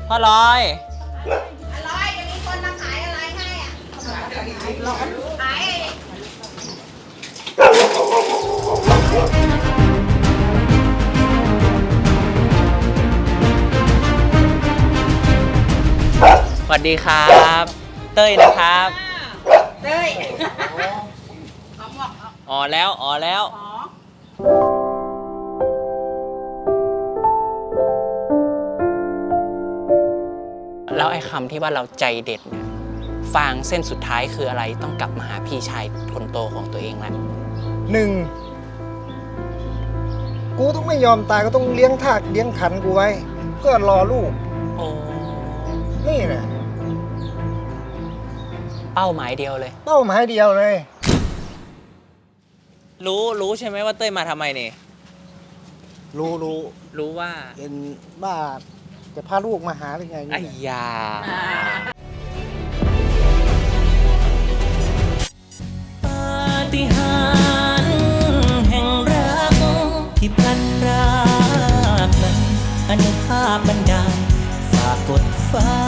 พ่อลอยอะไรจะมีคนมาขายอะไรให้อ่ะขายสวัสดีครับ เต้ยนะครับเต้ยเขาบอกอ๋อแล้วอ๋อแล้วอ๋อแล้วไอ้คำที่ว่าเราใจเด็ดเนี่ยฟางเส้นสุดท้ายคืออะไรต้องกลับมาหาพี่ชายคนโตของตัวเองแล้วหนึ่งกูต้องไม่ยอมตายก็ต้องเลี้ยงทากเลี้ยงขันกูไว้เพื่อรอลูกโอ้นี่แหละเป้าหมายเดียวเลยเป้าหมายเดียวเลยรู้ใช่ไหมว่าเต้ยมาทำไมเนี่ยรู้รู้ว่าเป็นบ้าจะพาลูกมาหาหรือไงไอ้เนี่ยยาปาฏิหาริย์แห่งรักที่พลันรากนั้นอนุภาพบันดาลฝากกดฟ้า